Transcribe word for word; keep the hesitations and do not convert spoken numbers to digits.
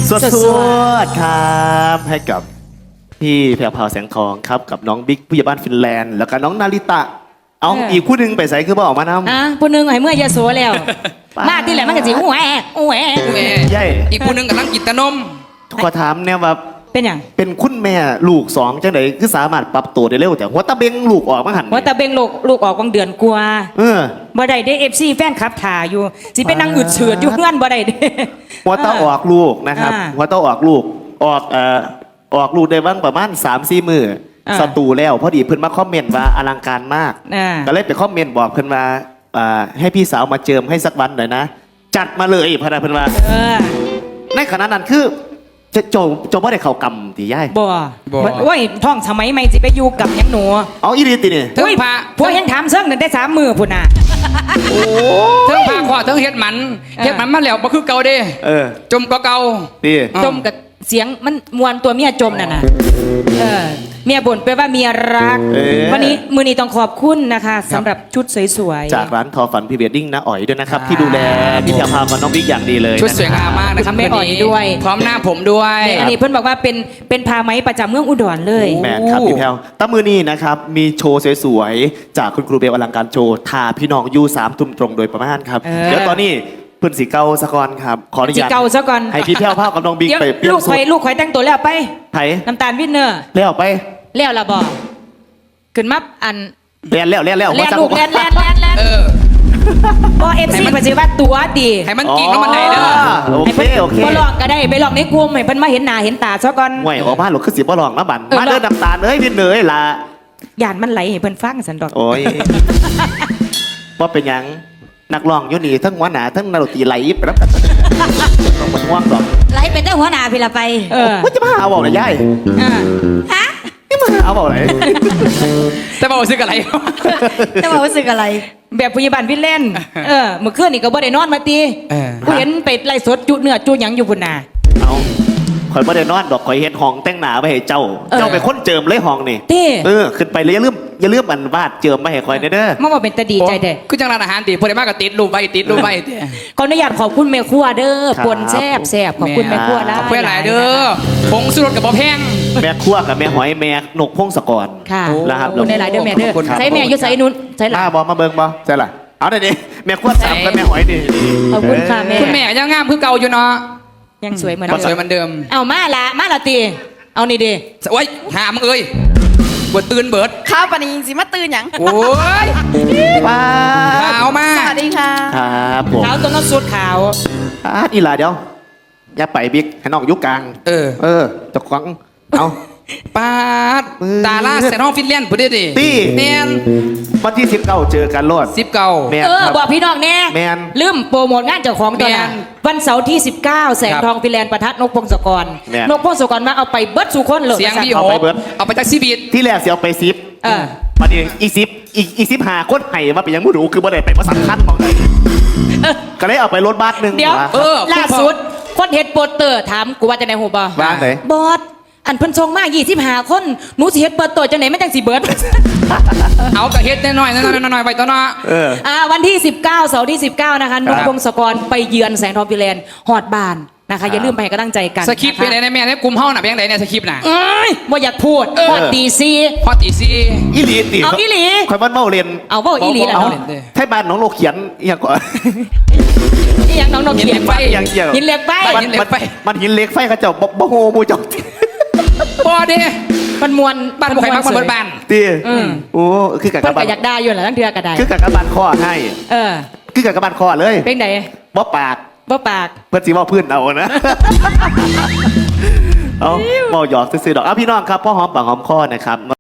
สวดสวดครับให้กับพี่แพรวพราวแสงทองครับกับน้องบิ๊กผู้ใหญ่บ้านฟินแลนด์แล้วก็น้องนาริตะเอาอีกคู่หนึ่งไปใส่คือบ่ออกมานำอ่ะผู้หนึงให้เมื่อยาโสแล้วมาที่แหละมันก็สิอู้แอะอู้แอะแม่ใหญ่อีกผู้หนึงกำลังกินตะนมขอถามเนี่ยว่าเป็นหยังเป็นคุณแม่ลูกสองจังไหนคือสามารถปรับตัวได้เร็วแต่หัวตะเบงลูกออกมาหันว่าแต่เบ่งลูกลูกออกวังเดือนกว่าเออบ่ได้ได้ เอฟ ซี แฟนคลับถ่าอยู่สิเป็นนางอึดเฉือดอยู่เพื่อนบ่ได้เด้หัวตะออกลูกนะครับอ่าหัวตะออกลูกออกเอ่อออกลูกได้บ้างประมาณสามสี่มืออา สตูแล้วพอดีเพิ่นมาคอมเมนต์ว่าอลังการมากอ่าก็เลยไปคอมเมนต์บอกเพิ่นว่าอ่าให้พี่สาวมาเจิมให้สักวันหน่อยนะ จัดมาเลยพะนะเพิ่นว่าเออในขณะนั้นคือจะโจโจบ่ได้เข้ากรรมติย่ายบ่โอ้ยท่องสมัยใหม่สิไปอยู่กับหยังหนูเอาอีหลีตินี่เทิงโอ้ยพาพวกยังถามเซิงนั่นได้สามมือพุ่นน่ะเทิงพาขอเทิงเฮ็ดหมันเออเฮ็ดหมันมาแล้วบ่คือเก่าเด้เออจมก็เก่าติอ๋อจมกับเสียงมันมวนตัวเมียจมนั่นน่ะเออเมียบ่นไปว่าเมียรักเออวันนี้มือนี้ต้องขอบคุณนะคะสำหรับชุดสวยๆจากร้านทอฝันพรีเวดดิ้งนะอ๋อยด้วยนะครับ ที่ดูแลพี่แพรวพราวกับน้องบิ๊กอย่างดีเลยชุดสวยงามมากนะครับแม่อ่อยด้วยพร้อมหน้าผมด้วยอันนี้เพิ่นบอกว่าเป็นเป็นผ้าไหมประจำเมืองอุดรเลยแมนครับพี่แพรวตั้งมือนี้นะครับมีโชว์สวยๆจากคุณครูเบลอลังการโชว์ทาพี่น้องยูสามทุ่มตรงโดยประมาณครับเออเดี๋ยวตอนนี้เพื่อนสีเกาสะกอนครับขออนุจิญาตเก่าซะก่อนให้พี่แพรวพราวกับน้องบิ๊กเดี๋ยวไปเปลี่ยนลูกสุข่อยดลูกข่อยแต่งตัวแล้วไปไถน้ำตาลวินเนอร์แล้วไปแล้วละบ่ขึ้นมาอันเรียนแล้วเรียนแล้วแลนลูกแลนแลนแลนแลนเออบ่เอฟซีปัจจุบันตัวดีให้มันกิ่งแล้วมันไหนเด้อโอเคโอเคบ่ลองก็ได้ไปลองในกลุ่มให้เพิ่นมาเห็นหน้าเห็นตาซะก่อนห่วยออกมาหลกคือสีบ่ลองนะบันเออมาเดินน้ำตาลเอ้ยพี่เหนื่อยละย่านมันไหลให้เพิ่นฟังสันดอกโอ้ยว่าเป็นหยังนักร้องอยุนี่ทั้งหัวหน้าทั้งนักดนตรีไหลไปแล้วกันต้องมันห่วงดอกไล่เป็นเจ้าหัวหน้าพี่ละไปเออว่าจะมาเอาบอกเลยยายอ่าฮะนี่มาเอาบอกเลยแต่บอกซื้ออะไรจะบอกว่าสึกอะไรแบบพยาบาลวินเล่นเออเมื่อคืนนี่ก็บ่ได้นอนมาติเออกูเห็นไปไล่สดจุเนื้อจุหยังอยู่พุ่นน่ะเอาข่อยไม่ได้นอนดอกข่อยเฮ็ดห้องแต่งหน้าไปให้เจ้าเออเจ้าเป็นคนเจิมเลยห้องนี่เต้เออขึ้นไปเลยอย่าลืมอย่าลืมอันวาดเจิมมาให้ข่อยเด้อเด้อมาว่าเป็นตาดีใจเด้คือจังร้านอาหารติพอได้มากก็ติดรูปไว้ติดรูปไว้ติขออนุญาตขอบคุณแม่ครัวเด้อครับปนแซ่บแซ่บขอบคุณแม่ครัวหลายขอบคุณหลายเด้อผงสุรสกับบ่แพงแม่ครัวกับแม่หอยแม่นกพงศกรค่ะนะครับขอบคุณหลายๆเด้อแม่เด้อขอบคุณครับใช้แม่อยู่ใส่นุ่นใช้หลามาบอมาเบิ่งบอใช่ล่ะเอาหน่อยดิแม่ครัวสามกับแม่หอยนี่ขอบคุณค่ะแม่คุณแม่ยังงามคือเก่าอยู่เนาะยังสวยเหมือนก็เดิสวยมเหมือนเดิมเอามาละมาละตีเอานี่ดิโอ้ยหามึงเอ้ยบวตื่นเบิดข้าวปานนี้สิมาตื่นหยังโอ้ยป้าขาวมาสกวัสดีค่ะครับผมขาวตัวน้ำสุดขาวอ่ะอีหลาเดี๋ยวอย่าไปบิ๊กให้น้องอยุกกลางเออเออจะควังเอาปาดมือตาล่าเซนองฟินแลนด์พุ่นเด้ดิตี้แมนวันที่สิบเก้าเจอกันโลดสิบเก่าแม่นเออครับบอกพี่น้องแน่แม่นลืมโปรโมทงานเจ้าของตัวน่ะแม่นวันเสาร์ที่ สิบเก้า แสงครับทองฟิแลนด์ประทัดนกพงศกรแม่นนกพงศกรมาเอาไปเบิดสู่คนเลยเสียงดีเอาโหไปเบิดเอาไปจากซีบีดที่แรกเสียเอาไปซิปเออวันนี้อีซิปอีอีซิปหาคนไห้มาเป็นยังไม่รู้คือบ่ได้ไปมาสำคัญมองเลยก็เลยเอาไปรถบัสหนึ่งเดี๋ยวเออล่าสุดคนเฮ็ดโปสเตอร์ถามกูว่าจะไหนหูบ่บ้านไหนบอสอันเพิ่นส่งมายี่สิบห้าคนหนูสิเฮ็ดเปิดตัวจังไหนไม่จังสิเบิดเอากระเฮ็ดน้อยๆน้อยๆน้อยๆไปตัวเนาะเอออ่าวันที่ สิบเก้า เสาร์ที่ สิบเก้า นะคะนกพงศกรไปเยือนแสงทองฟิแลนด์ฮอดบ้านนะคะ อย่าลืมไปให้กำลังใจกันสคริปต์เป็นไงนะแม่เนี่ยกลุ่มเฮาน่ะเป็นยังไงเนี่ยสคริปต์น่ะเอ้ยว่าอยากพูดเออฮอดตีซีพอตีซีอีหลีติเอาอีหลีคอยบ้านเมาเรียนเอาเว่าอีหลีแหละเอาเนาะเล่นเด้อไทยบ้านน้องโลกเขียนอหย่างก่อนนี่ยังน้องนกเขียนไฟอย่างเกี่ยวหินเหล็กไปบ้าน หินเหล็กไฟมันหินเหล็กไฟเขาเจ้าบ่บ่โฮมูเจ้าบอเด้มันมวนบ้านบ่ใครมักมันเบิดบ้านตีอืมโอ้คือกับเพิ่กนระบาก็นอยากได้อยู่แหละตั้งเดือกระไดคือกับกระบาลข้อให้เออคือกับกระบาลข้อเลยเป็นไดบ่ปากบ่ปากเพื่อนสีว่าพื้นเอานะ เอาเมาหยอกซื้อๆดอกเอาพี่น้องครับพ่อหอมปากหอมคอนะครับ